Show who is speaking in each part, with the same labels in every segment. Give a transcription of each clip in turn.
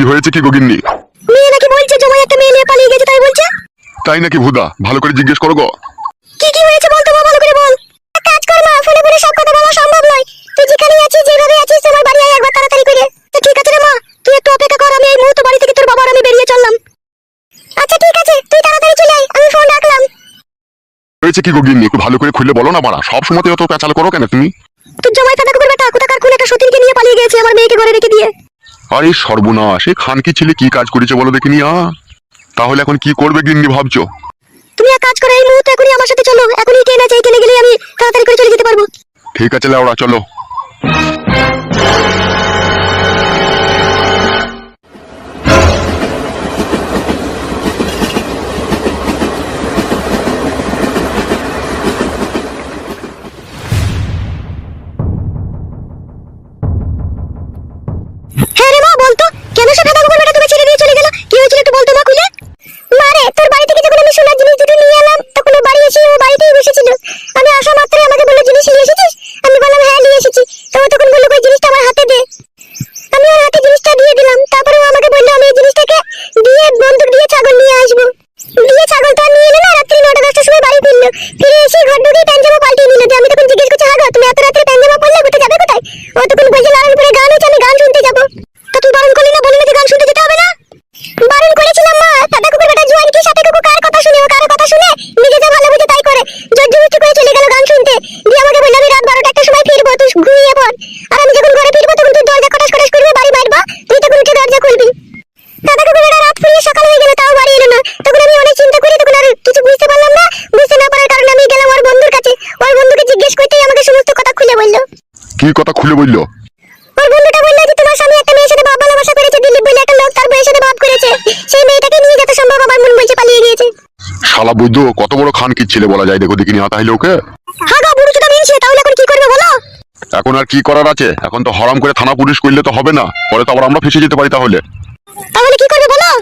Speaker 1: কি হয়েছে কি গগিন্নি?
Speaker 2: মেয়ে নাকি বলছে জামাই একটা মেয়ে নিয়ে পালিয়ে গেছে, তাই বলছে।
Speaker 1: তাই নাকি ভুদা? ভালো করে জিজ্ঞেস করো গো।
Speaker 2: কি কি হয়েছে বল তো মা, ভালো করে বল। এক কাজ কর মা, ফোনে ফোনে সব কথা বলা সম্ভব নয়। তুই যেখানে আছিস, যেভাবে আছিস, আমার বাড়ি আয় একবার তাড়াতাড়ি করে। তো ঠিক আছে রে মা, তুই একটু অপেক্ষা কর, আমি এই মুহূর্তে বাড়ি থেকে তোর বাবা আর আমি বেরিয়ে চললাম। আচ্ছা ঠিক আছে, তুই তাড়াতাড়ি চলে আয়, আমি ফোন রাখলাম।
Speaker 1: হয়েছে কি গগিন্নি? একটু ভালো করে খুলে বলো না মারা, সব সময় অত পেঁচাল করো কেন তুমি?
Speaker 2: তোর জামাই ফাটা কুকুর বেটা কোথাকার কোন একটা সতীনকে নিয়ে পালিয়ে গেছে, আমার মেয়েকে ঘরে রেখে দিয়ে।
Speaker 1: আরে সর্বনাশ, এই খানকি ছেলে কি কাজ করেছে বলো দেখিনি। তাহলে এখন কি করবে গিন্নি ভাবছো?
Speaker 2: তুমি এক কাজ করো, এই মুহূর্তে এখনই আমার সাথে চলো, এখনই ট্রেন আছে, এই ট্রেনে গেলে আমি তাড়াতাড়ি করে চলে যেতে পারবো।
Speaker 1: ঠিক আছে লাউড়া, চলো।
Speaker 2: হ্যাঁ রে মা, বলতো কেন সে ফাটা কুকুর বেটা তোকে ছেড়ে দিয়ে চলে গেল? কি হয়েছিল একটু বলতো মা খুলে। মারে, তোর বাড়ি থেকে যখন আমি সোনার জিনিস দুটো নিয়ে এলাম, তখন ও বাড়ি এসে ও বাড়িতেই বসেছিল। আমি আসা মাত্রই আমাকে বললো, জিনিস নিয়ে এসেছিস? আমি বললাম হ্যাঁ নিয়ে এসেছি। তো ও তখন বললো, ওই জিনিসটা আমার হাতে দে। আমি ওর হাতে জিনিসটা দিয়ে দিলাম। তারপরে ও আমাকে বললো আমি এই জিনিসটাকে দিয়ে বন্দুক দিয়ে ছাগল নিয়ে আসবো। দিয়ে ছাগল তো আর নিয়ে এলো না, রাত্রি 9টা-10টার সময় বাড়ি ফিরলো। ফিরে এসে ঘর ঢুকেই প্যান্জামা পাল্টিয়ে নিল। যে আমি তখন জিজ্ঞেস করছি, হাগো তুমি এত রাত্রে প্যান্জামা পরলে কোথায় যাবে কোথায়? ও তখন বলছে নারায়ণপুরে গান হচ্ছে, আমি গান শুনতে যাবো। তা তুই বারণ করলি না, বললি না যে গান শুনতে যেতে হবে না? বারণ করেছিলাম মা, ফাটা কুকুর বেটা জোয়ান কি সাথে কুকুর কার কথা শুনে, ও কার কথা শুনে নিজে যা ভালো বুঝে তাই করে। জোরজবরদস্তি করে চলে গেল গান শুনতে। দিয়ে আমাকে বললো আমি রাত 12টা-1টার সময় ফিরবো, তুই ঘুমিয়ে পড়। আর আমি যখন ঘরে ফিরবো তখন তুই দরজা খটাস খটাস করবি, বাড়ি মারবা, তুই তখন উঠে দরজা খুলবি। ফাটা কুকুর বেটা রাত ফুরিয়ে সকাল হয়ে গেল, তাও বাড়ি এলো না। তখন আমি অনেক চিন্তা করি, তখন আর কিছু বুঝতে পারলাম না। বুঝতে না পারার কারণে আমি গেলাম ওর বন্ধুর কাছে। ওর বন্ধুকে জিজ্ঞেস করতেই আমাকে সমস্ত কথা খুলে বললো।
Speaker 1: কি কথা খুলে বললো?
Speaker 2: ওর বন্ধুটা বললো যে তোমার স্বামী একটা মেয়ের সাথে ভাব ভালোবাসা করেছে, দিলীপ বলে একটা লোক, তার বউয়ের সাথে ভাব করেছে। সেই মেয়েটাকে নিয়ে যত সম্ভব আমার মন বলছে পালিয়ে গিয়েছে।
Speaker 1: শালা বৈদ্য কত বড় খানকির ছেলে বলা যায়, দেখো দেখিনি। তাহলে ওকে
Speaker 2: হ্যাঁ গো, বুড়ো চোদা মিনছে, তাহলে এখন কি করবে বলো?
Speaker 1: এখন আর কি করার আছে? এখন তো হরাম করে থানা পুলিশ করলে তো হবে না, পরে তো আবার আমরা ফেসে যেতে পারি। তাহলে
Speaker 2: তাহলে কি করবে বলো?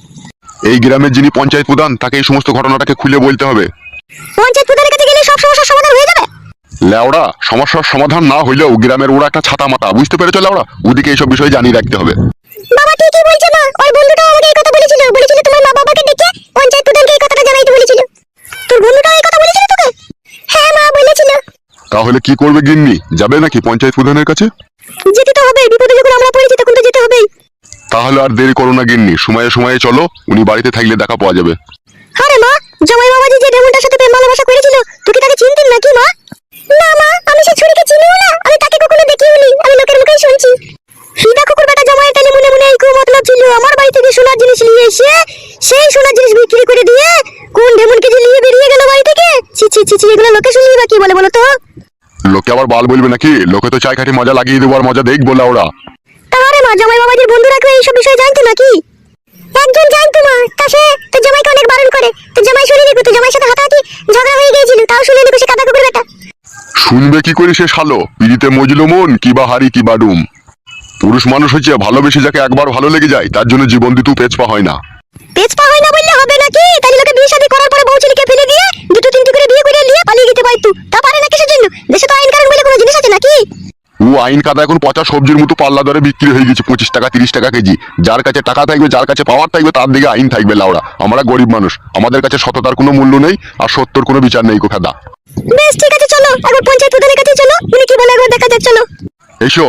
Speaker 1: এই গ্রামের যিনি পঞ্চায়েত প্রধান, তাকে এই সমস্ত ঘটনাটাকে খুলে বলতে হবে।
Speaker 2: পঞ্চায়েত প্রধানের কাছে গেলে সব সমস্যার সমাধান হয়ে যাবে?
Speaker 1: লেওড়া, সমস্যার সমাধান না হইলেও গ্রামের ওরা একটা ছাতা মাথা, বুঝতে পেরেছো লেওড়া? ওদিকে এইসব বিষয় জানিয়ে রাখতে হবে।
Speaker 2: বাবা ঠিকই বলছে মা, ওর বন্ধুটাও আমাকে এই কথা বলেছিল। বলেছিল তোমার মা বাবাকে ডেকে পঞ্চায়েত প্রধানকে এই কথাটা জানাইতে বলেছিল। তোর বন্ধুটাও এই কথা বলেছিল তোকে? হ্যাঁ মা বলেছিল।
Speaker 1: তাহলে কি করবে গিন্নি? যাবে নাকি পঞ্চায়েত প্রধানের কাছে?
Speaker 2: যেতে তো হবে, বিপদে যখন আমরা পড়েছি তখন তো যেতে হবেই।
Speaker 1: তাহলে আর দেরি করো না গিন্নি, সময়ে সময়ে চলো, উনি বাড়িতে থাকলে দেখা পাওয়া যাবে।
Speaker 2: আরে মা, জামাই বাবাজি যে ডেমনটার সাথে প্রেম ভালোবাসা করেছিল, তুই কি তাকে চিনতেন নাকি মা? না মা, আমি সেই ছুরিকে চিনিও না, আমি তাকে কখনো দেখিওনি, আমি লোকের মুখেই শুনছি। ফিদা কুকুর বেটা জামাইয়ের তালে মনে মনে এই মতলব ছিল, আমার বাড়ি থেকে সোনার জিনিস নিয়ে এসে সেই সোনার জিনিস বিক্রি করে দিয়ে কোন ডেমনকে যে নিয়ে বেরিয়ে গেল বাড়ি থেকে। ছি ছি ছি ছি, এগুলো লোকে শুনলেই বা কি বলে বলো তো?
Speaker 1: লোকে আবার বাল বলবে নাকি? লোকে তো চাই খাটি মজা লাগিয়ে দেবো, আর মজা দেখবো ওরা।
Speaker 2: তাহলে মা, জামাই বাবাজির বন্ধুরা কেউ এইসব বিষয়ে জানতো নাকি? একজন জানতো মা, তা সে তো জামাইকে অনেক বারণ করে। তো জামাই শুনে নিকো, তো জামাইয়ের সাথে হাতাহাতি ঝগড়া হয়ে গিয়েছিল, তাও শুনে নিকো সে কাদা কুকুর বেটা।
Speaker 1: শুনবে কি করে সে শালো? পিড়িতে মজলো মন, কি বা হারি কি বা ডুম। পুরুষ মানুষ হচ্ছে ভালোবেসে যাকে একবার ভালো লেগে যায়, তার জন্য জীবন দিতেও পেছপা হয় না।
Speaker 2: পেছপা হয় না বললে হবে নাকি? তাহলে লোকে বিয়ে শাদী করার পরে বউ ছেলেকে ফেলে দিয়ে দুটো তিনটি করে বিয়ে করে নিয়ে পালিয়ে যেতে পারতো। তা পারে না কিসের জন্য? দেশে তো আইন কানুন বলে কোনো জিনিস আছে নাকি?
Speaker 1: ও আইন কাদা এখন পচা সবজির মতো পাল্লা দরে বিক্রি হয়ে গেছে, 25 টাকা 30 টাকা কেজি। যার কাছে টাকা থাকবে, যার কাছে পাওয়ার থাকবে, তার দিকে আইন থাকবে লাউড়া। আমরা গরিব মানুষ, আমাদের কাছে সততার কোনো মূল্য নেই, আর সত্যর কোনো বিচার নেই কোখাদা।
Speaker 2: বেশ ঠিক আছে, চলো একবার পঞ্চায়েত প্রধানের কাছে চলো, উনি কি বলে একবার দেখা যাক, চলো।
Speaker 1: এসো।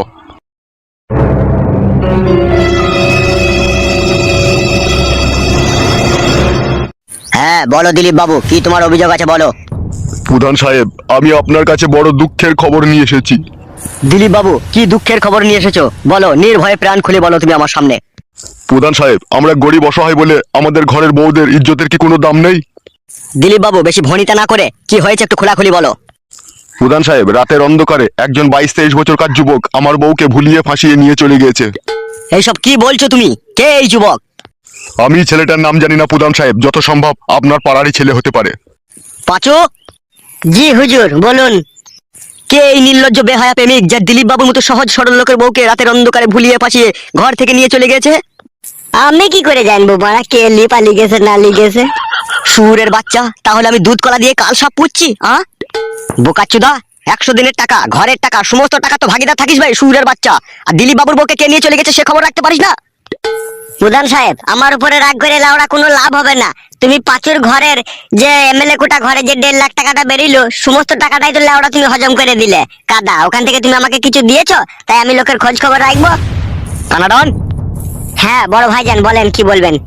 Speaker 3: হ্যাঁ বলো দিলীপ বাবু, কি তোমার অভিযোগ আছে বলো।
Speaker 1: প্রধান সাহেব, আমি আপনার কাছে বড় দুঃখের খবর নিয়ে এসেছি।
Speaker 3: দিলীপ বাবু, কি দুঃখের খবর নিয়ে এসেছো বলো, নির্ভয়ে প্রাণ খুলে বলো তুমি আমার সামনে।
Speaker 1: প্রধান সাহেব, আমরা গরিব অসহায় বলে আমাদের ঘরের বউদের ইজ্জতের কি কোনো দাম নেই?
Speaker 3: দিলীপ বাবু, বেশি ভনিতা না করে কি হয়েছে একটু খোলাখুলি বলো।
Speaker 1: প্রধান সাহেব, রাতের অন্ধকারে একজন 22-23 বছরকার যুবক আমার বউকে ভুলিয়ে ফাঁসিয়ে নিয়ে চলে গিয়েছে।
Speaker 3: এইসব কি বলছো তুমি? কে এই যুবক?
Speaker 1: আমি ছেলেটার নাম জানি না প্রধান সাহেব, যত সম্ভব আপনার পাড়ারই ছেলে হতে পারে।
Speaker 3: পাঁচু। জি হুজুর, বলুন। কে এই নির্লজ্জ বেহায়া প্রেমিক যে দিলীপ বাবুর মতো সহজ সরল লোকের বউকে রাতের অন্ধকারে ভুলিয়ে ফাঁসিয়ে ঘর থেকে নিয়ে চলে গেছে?
Speaker 2: আমি কি করে জানবো মারা কে পালিয়ে গেছে না লিগেছে?
Speaker 3: সুরের বাচ্চা, তাহলে আমি দুধ কলা দিয়ে কাল সাপ পুচ্ছি? বোকাচ্চুদা, 100 দিনের টাকা, ঘরের টাকা, সমস্ত টাকা তো ভাগিদার থাকিস ভাই সুরের বাচ্চা। আর দিলীপ বাবুর বউকে কে নিয়ে চলে গেছে সে খবর রাখতে পারিস না?
Speaker 2: প্রধান সাহেব, আমার উপরে রাগ করে লাউড়া কোনো লাভ হবে না। তুমি পাঁচুর ঘরের যে এমএলএ কোটা ঘরে যে 1.5 লাখ টাকাটা বেরিলো, সমস্ত টাকাটাই তো লাউড়া তুমি হজম করে দিলে। কাদা, ওখান থেকে তুমি আমাকে কিছু দিয়েছো, তাই আমি লোকের খোঁজ খবর রাখবো।
Speaker 3: কানাডন,
Speaker 2: হ্যাঁ বড় ভাইজান, বলেন কি বলবেন।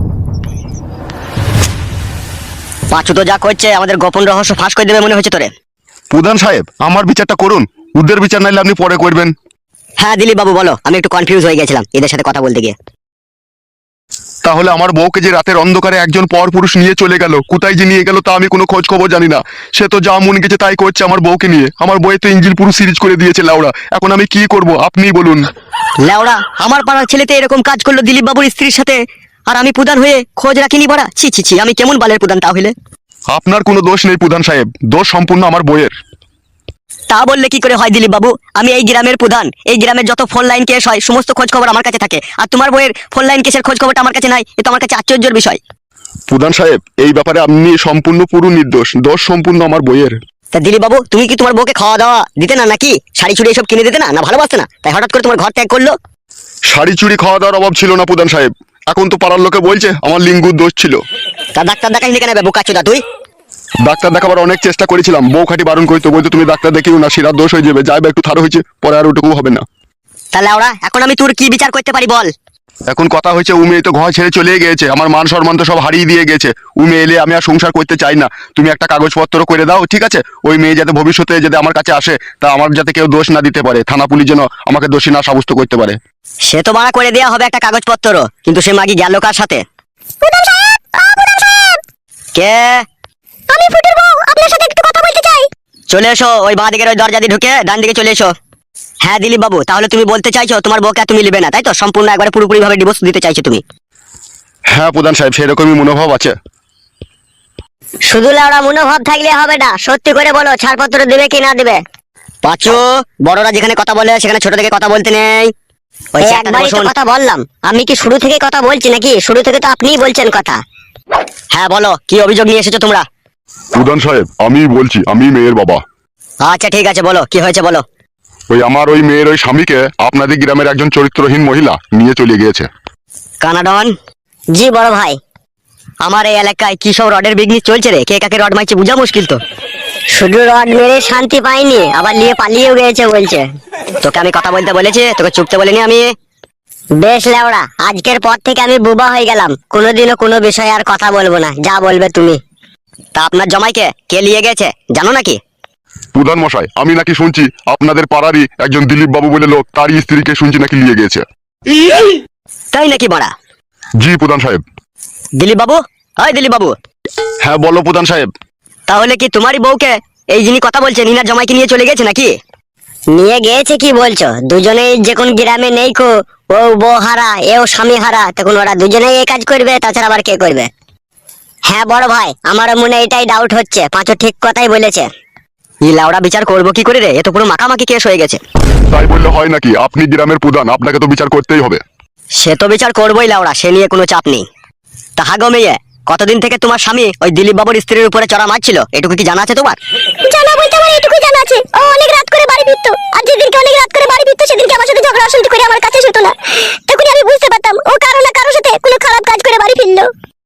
Speaker 3: পাঁচু তো যা করছে আমাদের গোপন রহস্য ফাঁস করে দেবে মনে হচ্ছে তোরে।
Speaker 1: প্রধান সাহেব, আমার বিচারটা করুন, ওদের বিচার নাইলে আপনি পরে করবেন।
Speaker 3: হ্যাঁ দিলীপ বাবু বলো, আমি একটু কনফিউজ হয়ে গেছিলাম এদের সাথে কথা বলতে গিয়ে।
Speaker 1: তাহলে আমার বউকে যে রাতের অন্ধকারে একজন পর পুরুষ নিয়ে চলে গেল, কোথায় যে নিয়ে গেল তা আমি কোনো খোঁজ খবর জানি না। সে তো যা মন গেছে তাই করছে আমার বউকে নিয়ে। আমার বউয়ে তো ইঞ্জিল পুরো সিরিজ করে দিয়েছে লাউড়া। এখন আমি কি করব আপনিই বলুন।
Speaker 3: লেওড়া, আমার পাড়ার ছেলেতে এরকম কাজ করলো দিলীপ বাবুর স্ত্রীর সাথে, আর আমি প্রধান হয়ে খোঁজ রাখিনি বড়া। ছি ছি ছি, আমি কেমন বালের প্রধান তাহলে?
Speaker 1: আপনার কোনো দোষ নেই প্রধান সাহেব, দোষ সম্পূর্ণ আমার বউয়ের।
Speaker 3: তা বললে কি করে হয় দিলীপ বাবু? আমি এই গ্রামের প্রধান, এই গ্রামের যত ফোন লাইন কেস হয় সমস্ত খোঁজ খবর আমার কাছে থাকে, আর তোমার বইয়ের ফোন লাইন কেসের খোঁজ খবরটা আমার কাছে নাই। এ তো আমার কাছে আশ্চর্যের বিষয়।
Speaker 1: প্রধান সাহেব, এই ব্যাপারে আপনি সম্পূর্ণ পুরো নির্দোষ, দোষ সম্পূর্ণ আমার বইয়ের।
Speaker 3: তা দিলীপ বাবু, তুমি কি তোমার বউকে খাওয়া দাওয়া দিতে না, নাকি শাড়ি চুড়ি এসব কিনে দিতে না, না ভালোবাসতে না, তাই হঠাৎ করে তোমার ঘর ত্যাগ করলো?
Speaker 1: শাড়ি চুড়ি খাওয়া দাওয়ার অভাব ছিল না প্রধান সাহেব। এখন তো পাড়ার লোকে বলছে আমার লিঙ্গুর দোষ ছিল।
Speaker 3: তা ডাক্তার দেখাইনি কেন বোকাচোদা তুই?
Speaker 1: ডাক্তার দেখাবার অনেক চেষ্টা করেছিলাম, বউ খাটি বারণ করতো, বলতো তুমি ডাক্তার দেখিও না, শিরার দোষ হয়ে যাবে, যাইবে একটু থারো হয়েছে, পরে আর ওটুকু হবে না।
Speaker 3: তাহলে ওরা এখন আমি তোর কি বিচার করতে পারি বল?
Speaker 1: এখন কথা হয়েছে ও মেয়ে তো ঘর ছেড়ে চলে গিয়েছে, আমার মান সম্মান তো সব হারিয়ে দিয়ে গেছে। ও মেয়ে এলে আমি আর সংসার করতে চাই না। তুমি একটা কাগজপত্র করে দাও, ঠিক আছে? ওই মেয়ে যাতে ভবিষ্যতে যদি আমার কাছে আসে, তা আমার যাতে কেউ দোষ না দিতে পারে, থানা পুলিশ যেন আমাকে দোষী না সাব্যস্ত করতে পারে।
Speaker 3: সে তো মানা করে দেওয়া হবে একটা কাগজপত্র, কিন্তু সে মাগি গেল কার সাথে?
Speaker 2: প্রধান সাহেব, প্রধান সাহেব,
Speaker 3: কে?
Speaker 2: আমি ফুটুর বউ, আপনার সাথে একটু কথা বলতে চাই।
Speaker 3: চলে এসো, ওই বাঁ দিকের ওই দরজা দিয়ে ঢুকে ডান দিকে চলে এসো। হ্যাঁ দিলীপ বাবু, তাহলে তুমি বলতে চাইছো তোমার বউকে আর তুমি নেবে না, তাই তো? সম্পূর্ণ একবারে পুরোপুরি ভাবে ডিভোর্স দিতে চাইছো তুমি?
Speaker 1: হ্যাঁ প্রধান সাহেব, সেরকমই মনোভাব আছে।
Speaker 2: শুধু লাউড়া মনোভাব থাকলে হবে না, সত্যি করে বলো ছাড়পত্র দেবে কি না দেবে।
Speaker 3: পাঁচু, বড়রা যেখানে কথা বলে সেখানে ছোট থেকে কথা বলতে নেই। ওই
Speaker 2: এই
Speaker 3: চেয়ারটাতে
Speaker 2: একবারই তো
Speaker 3: বসুন।
Speaker 2: কথা বললাম, আমি কি শুরু থেকে কথা বলছি নাকি? শুরু থেকে তো আপনিই বলছেন কথা।
Speaker 3: হ্যাঁ বলো, কি অভিযোগ নিয়ে এসেছো তোমরা?
Speaker 1: প্রধান সাহেব, আমি বলছি, আমি মেয়ের বাবা।
Speaker 3: আচ্ছা ঠিক আছে, বলো কি হয়েছে বলো।
Speaker 1: ওই মেয়ের ওই স্বামীকে আপনাদের গ্রামের একজন চরিত্রহীন মহিলা নিয়ে চলে গিয়েছে।
Speaker 3: কানাডন,
Speaker 2: জি বড় ভাই।
Speaker 3: আমার এই এলাকায় কি সব রডের বিজনেস চলছে রে, কে কাকে রড মারছে বোঝা মুশকিল তো।
Speaker 2: শুধু রড মেরে শান্তি পাইনি, আবার নিয়ে পালিয়েও গেছে বলছে।
Speaker 3: তোকে আমি কথা বলতে বলেছি, তোকে চুপতে বলিনি আমি।
Speaker 2: বেশ লেওড়া, আজকের পর থেকে আমি বুবা হয়ে গেলাম, কোনোদিনও কোনো বিষয়ে আর কথা বলবো না, যা বলবে তুমি।
Speaker 3: তা আপনার জামাইকে কে নিয়ে গেছে জানো নাকি?
Speaker 1: প্রধান মশাই, আমি নাকি শুনছি আপনাদের পাড়ারই একজন দিলীপ বাবু বলে লোক, তারই স্ত্রীকে শুনছি নাকি নিয়ে গিয়েছে।
Speaker 3: তাই নাকি বড়া?
Speaker 1: জি প্রধান সাহেব।
Speaker 3: দিলীপ বাবু, হয় দিলীপ বাবু,
Speaker 1: হ্যাঁ বলো প্রধান সাহেব।
Speaker 3: তাহলে কি তোমারই বউকে এই যিনি কথা বলছে নিনার জামাইকে নিয়ে চলে গেছে নাকি?
Speaker 2: নিয়ে গেছে কি বলছো? দুজনেই যে কোন গ্রামে নেই কো, ও বউ হারা এও স্বামী হারা, তখন ওরা দুজনেই এই কাজ করবে, তাছাড়া আবার কে করবে? হ্যাঁ বড় ভাই, আমারও মনে এটাই ডাউট হচ্ছে, পাঁচও ঠিক কথাই বলেছে।
Speaker 3: ই লাউড়া, বিচার করবো কি করে রে? এ তো পুরো মাখামাখি কেস হয়ে গেছে।
Speaker 1: তাই বললে হয় নাকি? আপনি গ্রামের প্রধান, আপনাকে তো বিচার করতেই হবে।
Speaker 3: সে তো বিচার করবোই লাউড়া, সে নিয়ে কোনো চাপ নেই। তাহা গো মেয়ে, কতদিন থেকে তোমার স্বামী ওই দিলীপ বাবুর স্ত্রীর উপরে চড়া মারছিল, এটুকু কি জানা আছে তোমার?
Speaker 2: জানা বলতে আমার এটুকুই জানা আছে, ও অনেক রাত করে বাড়ি ফিরতো, আর যেদিনকে অনেক রাত করে বাড়ি ফিরতো সেদিনকে আমার সাথে ঝগড়া অশান্তি করে আমার কাছে শুতো না। তখনই আমি বুঝতে পারতাম ও কারো না কারোর সাথে কোনো খারাপ কাজ করে বাড়ি ফিরলো।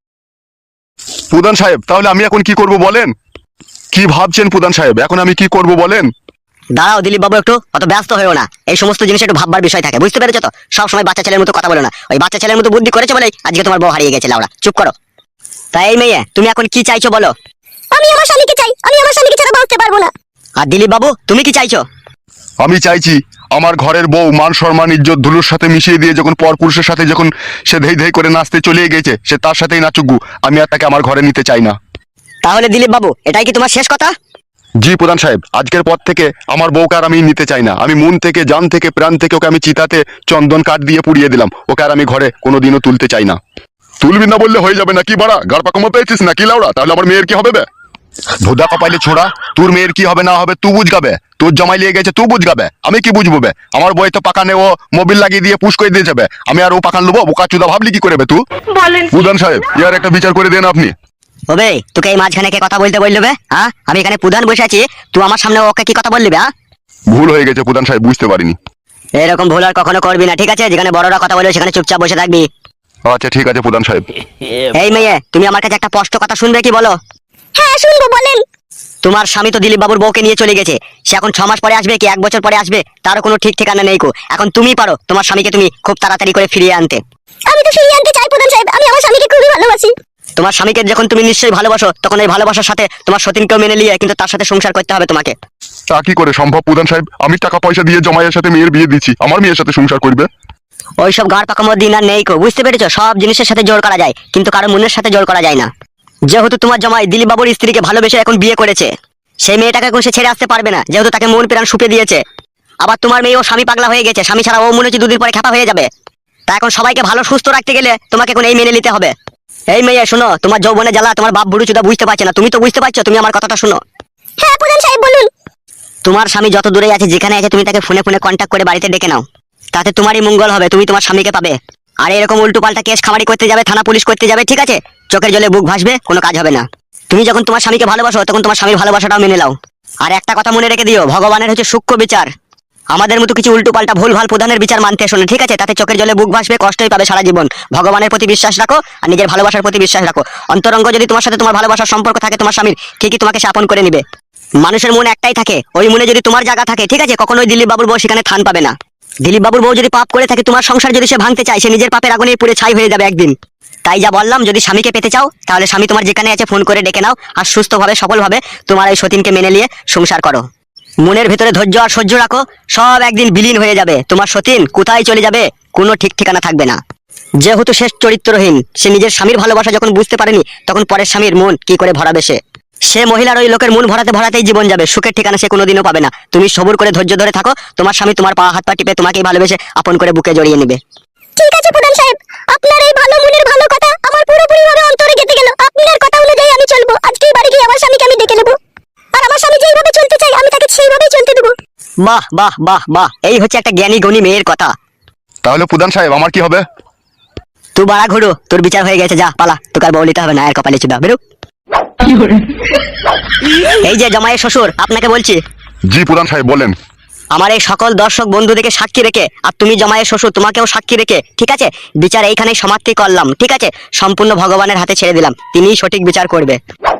Speaker 1: প্রধান সাহেব, তাহলে আমি এখন কি করব বলেন? কি ভাবছেন প্রধান সাহেব, এখন আমি কি করব বলেন?
Speaker 3: দাঁড়াও দিলীপ বাবু, একটু অত ব্যস্ত হয়েও না, এই সমস্ত জিনিস একটু ভাববার বিষয় থাকে, বুঝতে পেরেছো তো? সবসময় বাচ্চা ছেলের মতো কথা বলো না, ওই বাচ্চা ছেলের মতো বুদ্ধি করেছে বলেই আজকে তোমার বউ হারিয়ে গেছে লাউড়া। চুপ করো। তাই এই মেয়ে, তুমি এখন কি চাইছো বলো?
Speaker 2: আমি আমার স্বামীকে চাই, আমি আমার স্বামীকে ছাড়া বাঁচতে পারবো না।
Speaker 3: আর দিলীপ বাবু, তুমি কি চাইছো?
Speaker 1: আমি চাইছি আমার ঘরের বউ মান সম্মান ইজ্জত ধুলোর সাথে মিশিয়ে দিয়ে যখন পর পুরুষের সাথে যখন সে ধেই ধেই করে নাচতে চলে গেছে, সে তার সাথেই নাচুকু, আমি আর তাকে আমার ঘরে নিতে চাই না।
Speaker 3: তাহলে দিলীপ বাবু, এটাই কি তোমার শেষ কথা?
Speaker 1: জি প্রধান সাহেব, আজকের পর থেকে আমার বউকে আর আমি নিতে চাই না। আমি মন থেকে, জান থেকে, প্রাণ থেকে ওকে আমি চিতাতে চন্দন কাঠ দিয়ে পুড়িয়ে দিলাম। ওকে আর আমি ঘরে কোনোদিনও তুলতে চাই না। তুলবি না বললে হয়ে যাবে নাকি বাড়া? গাড় পাকামো পেয়েছিস নাকি লাউড়া? তাহলে আমার মেয়ের কি হবে বে? ভোদা কপাইলে ছোড়া, তোর মেয়ের কি হবে না হবে তুই বুঝগাবে। তোর জমাই লিয়ে গেছে তুই বুঝগাবে, আমি কি বুঝবো বে? আমার বই তো পাকানে ও মোবিল লাগিয়ে দিয়ে পুশ করে দিয়ে যাবে, আমি আর ও পাকান লোবো? বোকা চুদা ভাবলি কি করে বে তুই? প্রধান সাহেব, ইয়ার একটা বিচার করে দেন আপনি।
Speaker 3: ওবে, তোকে এই মাঝখানে কে কথা বলতে বললো বে? হ্যাঁ, আমি এখানে প্রধান বসে আছি, তুই আমার সামনে ওকে কি কথা বললি বে? হ্যাঁ,
Speaker 1: ভুল হয়ে গেছে প্রধান সাহেব, বুঝতে পারিনি।
Speaker 3: এরকম ভুল আর কখনো করবি না, ঠিক আছে? যেখানে বড়রা কথা বলবে সেখানে চুপচাপ বসে থাকবি।
Speaker 1: আচ্ছা ঠিক আছে প্রধান সাহেব।
Speaker 3: এই মেয়ে, তুমি আমার কাছে একটা স্পষ্ট কথা শুনবে কি বলো?
Speaker 2: হ্যাঁ শুনবো, বলেন।
Speaker 3: তোমার স্বামী তো দিলীপ বাবুর বউকে নিয়ে চলে গেছে। সে এখন 6 মাস পরে আসবে কি 1 বছর পরে আসবে তারও কোনো ঠিক ঠিকানা নেই কো। এখন তুমি পারো তোমার স্বামীকে তুমি খুব তাড়াতাড়ি করে ফিরিয়ে আনতে।
Speaker 2: আমি তো ফিরিয়ে আনতে চাই প্রধান সাহেব, আমি আমার স্বামীকে খুবই ভালোবাসি।
Speaker 3: তোমার স্বামীকে যখন তুমি নিশ্চয়ই ভালোবাসো, তখন এই ভালোবাসার সাথে তোমার সতীনকেও মেনে নিয়ে কিন্তু তার সাথে সংসার করতে হবে তোমাকে।
Speaker 1: তা কি করে সম্ভব প্রধান সাহেব? আমি টাকা পয়সা দিয়ে জমাইয়ের সাথে মেয়ের বিয়ে দিচ্ছি, আমার মেয়ের সাথে সংসার করবে?
Speaker 3: ওইসব গাড় পাকামো দিন আর নেই কো, বুঝতে পেরেছো? সব জিনিসের সাথে জোর করা যায়, কিন্তু কারো মনের সাথে জোর করা যায় না। যেহেতু তোমার জামাই দিলীপ বাবুর স্ত্রীকে ভালোবেসে এখন বিয়ে করেছে, সেই মেয়েটাকে এখন সে ছেড়ে আসতে পারবে না, যেহেতু তাকে মন প্রাণ সুপে দিয়েছে। আবার তোমার মেয়ে ও স্বামী পাগলা হয়ে গেছে, স্বামী ছাড়া ও মনে হচ্ছে 2 দিন পরে খ্যাপা হয়ে যাবে। তা এখন সবাইকে ভালো সুস্থ রাখতে গেলে তোমাকে এখন এই মেনে নিতে হবে। এই মেয়ে শোনো, তোমার যৌবনে জ্বালা তোমার বাপ বুড়ো চুদা বুঝতে পারছে না, তুমি তো বুঝতে পারছো। তুমি আমার কথাটা শোনো।
Speaker 2: হ্যাঁ প্রধান সাহেব বলুন।
Speaker 3: তোমার স্বামী যত দূরে আছে, যেখানে আছে, তুমি তাকে ফোনে ফোনে কন্ট্যাক্ট করে বাড়িতে ডেকে নাও। তাতে তোমারই মঙ্গল হবে, তুমি তোমার স্বামীকে পাবে। আর এরকম উল্টো পাল্টা কেস খামারি করতে যাবে, থানা পুলিশ করতে যাবে, ঠিক আছে? চোখের জলে বুক ভাসবে, কোনো কাজ হবে না। তুমি যখন তোমার স্বামীকে ভালোবাসো, তখন তোমার স্বামীর ভালোবাসাটাও মেনে নাও। আর একটা কথা মনে রেখে দিও, ভগবানের হচ্ছে সূক্ষ্ম বিচার। আমাদের মতো কিছু উল্টো পাল্টা ভুল ভাল প্রধানের বিচার মানতে এসো না, ঠিক আছে? তাতে চোখের জলে বুক ভাসবে, কষ্টই পাবে সারা জীবন। ভগবানের প্রতি বিশ্বাস রাখো আর নিজের ভালোবাসার প্রতি বিশ্বাস রাখো। অন্তরঙ্গ যদি তোমার সাথে তোমার ভালোবাসার সম্পর্ক থাকে, তোমার স্বামীর, ঠিকই তোমাকে সে আপন করে নিবে। মানুষের মন একটাই থাকে, ওই মনে যদি তোমার জায়গা থাকে, ঠিক আছে, কখনোই দিলীপ বাবুর বউ সেখানে থান পাবে না। দিলীপ বাবুর বউ যদি পাপ করে থাকে, তোমার সংসার যদি সে ভাঙতে চায়, সে নিজের পাপের আগুনে পুড়ে ছাই হয়ে যাবে একদিন। তাই যা বললাম, যদি স্বামীকে পেতে চাও, তাহলে স্বামী তোমার যেখানে আছে ফোন করে ডেকে নাও, আর সুস্থভাবে সফলভাবে তোমার এই সতীনকে মেনে নিয়ে সংসার করো। মনের ভেতরে ধৈর্য আর সহ্য রাখো, সব একদিন বিলীন হয়ে যাবে। তোমার সতীন কোথায় চলে যাবে কোনো ঠিক ঠিকানা থাকবে না। যেহেতু শেষ চরিত্রহীন, সে নিজের স্বামীর ভালোবাসা যখন বুঝতে পারেনি, তখন পরের স্বামীর মন কি করে ভরাবে সে? সে মহিলার ওই লোকের মন ভরাতে ভরাতেই জীবন যাবে, সুখের ঠিকানা সে কোনোদিনও পাবে না। তুমি সবুর করে ধৈর্য ধরে থাকো, তোমার স্বামী তোমার পা হাত পা টিপে তোমাকেই ভালোবেসে আপন করে বুকে জড়িয়ে নেবে।
Speaker 2: ঠিক আছে প্রধান সাহেব, আপনার এই ভালো মনের ভালো কথা আমার পুরোপুরি ভাবে অন্তরে গেঁথে গেল। আপনার কথা অনুযায়ী আমি চলবো। আজকেই বাড়ি গিয়ে আমার স্বামীকে আমি ডেকে নেবো, আর আমার স্বামী যেইভাবে চলতে চাই আমি তাকে সেইভাবেই চলতে দেবো।
Speaker 3: বাহ বাহ বাহ বাহ, এই হচ্ছে একটা জ্ঞানী গুণী মেয়ের কথা।
Speaker 1: তাহলে প্রধান সাহেব আমার কি হবে?
Speaker 3: তুই বাড়া ঘুরো, তোর বিচার হয়ে গেছে, যা পালা, তোকে আর বলিতে হবে না। আর কপালে চুদা বেরো। এই যে জামাইয়ের শ্বশুর, আপনাকে বলছি।
Speaker 1: জি প্রধান সাহেব বলেন।
Speaker 3: আমার এই সকল দর্শক বন্ধুদেরকে সাক্ষী রেখে, আর তুমি জামাইয়ের শ্বশুর, তোমাকেও সাক্ষী রেখে, ঠিক আছে, বিচার এইখানেই সমাপ্তি করলাম, ঠিক আছে? সম্পূর্ণ ভগবানের হাতে ছেড়ে দিলাম, তিনিই সঠিক বিচার করবে।